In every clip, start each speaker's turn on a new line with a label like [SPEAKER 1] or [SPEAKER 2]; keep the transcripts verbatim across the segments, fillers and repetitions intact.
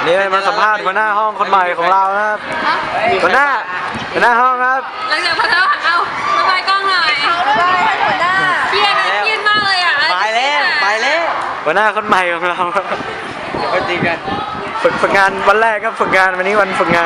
[SPEAKER 1] นี่มาสัมภาษณ์หัวหน้าห้องคนใหม่ของเรานะครับหัวหน้าหัวหน้าห้องครับ
[SPEAKER 2] หลังจากพัฒนาเอามาไปกล้องหน่อยหัวหน้าเครียดนะเครียดมากเลยอ่ะ
[SPEAKER 3] ไปแล้วไปแล้ว
[SPEAKER 1] หัวหน้าคนใหม่ของเรา
[SPEAKER 3] เดี๋ยวไปตีกัน
[SPEAKER 1] ฝึกฝึกงานวันแรกครับฝึกงานวันนี้วันฝึกงาน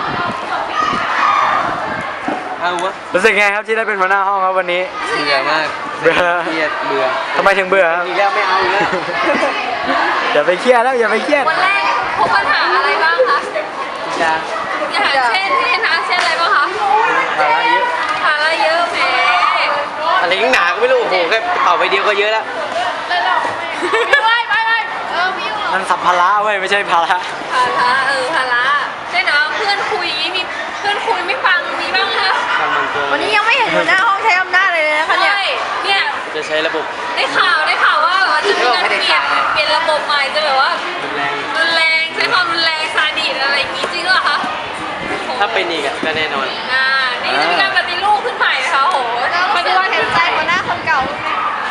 [SPEAKER 3] เอาวะ
[SPEAKER 1] รู้สึกไงครับที่ได้เป็นหัวหน้าห้องครับวันนี้
[SPEAKER 3] เบื่อมาก
[SPEAKER 1] เบื่อ
[SPEAKER 3] เครียดเบื่อ
[SPEAKER 1] ทำไมถึงเบื่อครับ
[SPEAKER 3] อีกแล้วไม่เอาอีกแล้ว
[SPEAKER 1] อย่าไปเครียดแล้วอย่าไปเครียด
[SPEAKER 2] วันแรกพบปัญหาอะไรบ้างคะ
[SPEAKER 3] จะ
[SPEAKER 2] ปัญหาเช่นเช่นนะเช่นอะไรบ้างคะ
[SPEAKER 3] ภาระเยอะ
[SPEAKER 2] ภาระเยอะแหม
[SPEAKER 3] อะไรหนาก็ไม่รู้โอ้โหแค่ต่อไปเดียวก็เยอะแล้ว
[SPEAKER 2] ไปไปไปเออพี่
[SPEAKER 1] นั่นสัมภาระเว้ยไม่ใช่ภาระ
[SPEAKER 2] ภาระเออภาระใช่เนาะเพื่อนคุยอย่างนี้มีเพื่อนคุยไม่ฟังมีบ้างไหมคะ
[SPEAKER 3] ทำมันตัว
[SPEAKER 4] วันนี้ยังไม่เห็นหัวหน้าห้องใช้อำนาจเลยนะคะเนี่ย
[SPEAKER 2] ใช่เนี่ย
[SPEAKER 3] จะใช้ระบบ
[SPEAKER 2] ได้ข่าวได้ข่าวว่าแบบว่าจะมีการเปลี่ยนเปลี่ยนระบบใหม่จะแบบว่า
[SPEAKER 3] รุนแรง
[SPEAKER 2] รุนแรงใช้ความรุนแรงซาดิสอะไรอย่างงี้จริงเหรอคะ
[SPEAKER 3] ถ้าเป็นอีกอะก็แน่นอน
[SPEAKER 2] อ่านี่จะมีการปฏิรูปขึ้นใหม่นะคะโอ้โห
[SPEAKER 4] ปฏิวัติเห็นใจหัวหน้าคนเก่าไหม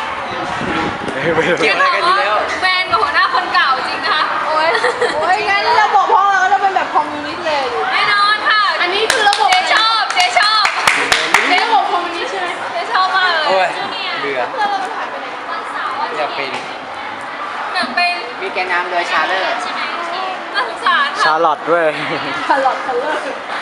[SPEAKER 3] เกี่ยวอะไรกันอยู่แล้ว
[SPEAKER 2] แบนกับหัวหน้าคนเก่าจริงนะคะ
[SPEAKER 4] โอ้ยโอ้ยงั้นระบบห้องเราก็จะเป็นแบบคอมมิวนิสต์เลย
[SPEAKER 2] แน่นอนค่ะ
[SPEAKER 4] อันนี้คือระบบ
[SPEAKER 2] เจ๊ชอบเจ๊ชอบ
[SPEAKER 4] เป็นระบบคอมมิวนิสต์ใช่ไหม
[SPEAKER 2] เจ๊ชอบมากเลย
[SPEAKER 3] โอ้ย
[SPEAKER 2] เนี่ย
[SPEAKER 3] เบื่อ
[SPEAKER 4] เพื่อนเรามันหายไปไหน
[SPEAKER 2] วันเสาร์วัน
[SPEAKER 3] อยากเป็น
[SPEAKER 2] อยากเป็น
[SPEAKER 3] มีแกนนำโดยชาเลอร์
[SPEAKER 2] ใช่ไหมน่าสงสาร
[SPEAKER 1] ชา
[SPEAKER 2] ค่ะ
[SPEAKER 1] ร์ลอตด้วย
[SPEAKER 4] คาร์ลอตคัลเลอร์